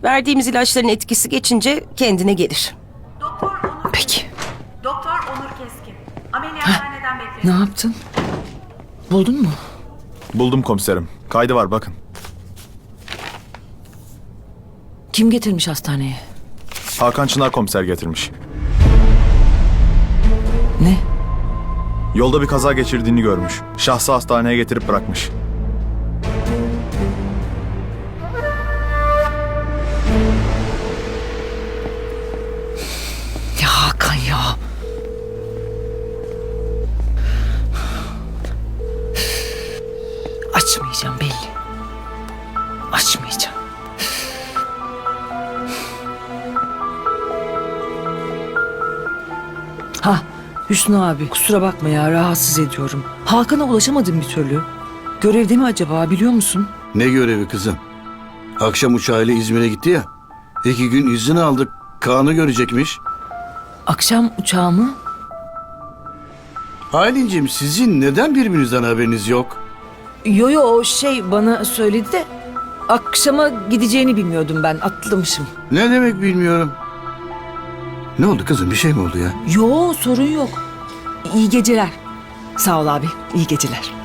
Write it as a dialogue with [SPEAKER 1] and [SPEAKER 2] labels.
[SPEAKER 1] Verdiğimiz ilaçların etkisi geçince kendine gelir.
[SPEAKER 2] Doktor Onur.
[SPEAKER 3] Peki.
[SPEAKER 2] Doktor Onur Keskin. Ameliyathaneden
[SPEAKER 3] Ne
[SPEAKER 2] bekliyorum.
[SPEAKER 3] yaptın? Buldun mu?
[SPEAKER 4] Buldum komiserim. Kaydı var bakın.
[SPEAKER 3] Kim getirmiş hastaneye?
[SPEAKER 4] Hakan Çınar komiser getirmiş.
[SPEAKER 3] Ne?
[SPEAKER 4] Yolda bir kaza geçirdiğini görmüş. Şahsı hastaneye getirip bırakmış.
[SPEAKER 3] Ya Hakan ya. Açmayacağım belli. Açmayacağım. Ha Hüsnü abi kusura bakma ya rahatsız ediyorum. Hakan'a ulaşamadım bir türlü. Görevde mi acaba biliyor musun?
[SPEAKER 5] Ne görevi kızım? Akşam uçağıyla İzmir'e gitti ya. 2 gün izin aldık. Kaan'ı görecekmiş.
[SPEAKER 3] Akşam uçağı mı?
[SPEAKER 5] Aylin'cim sizin neden birbirinizden haberiniz yok?
[SPEAKER 3] Yo yo o şey bana söyledi de akşama gideceğini bilmiyordum ben atlamışım.
[SPEAKER 5] Ne demek bilmiyorum. Ne oldu kızım, bir şey mi oldu ya?
[SPEAKER 3] Yo sorun yok. İyi geceler. Sağ ol abi iyi geceler.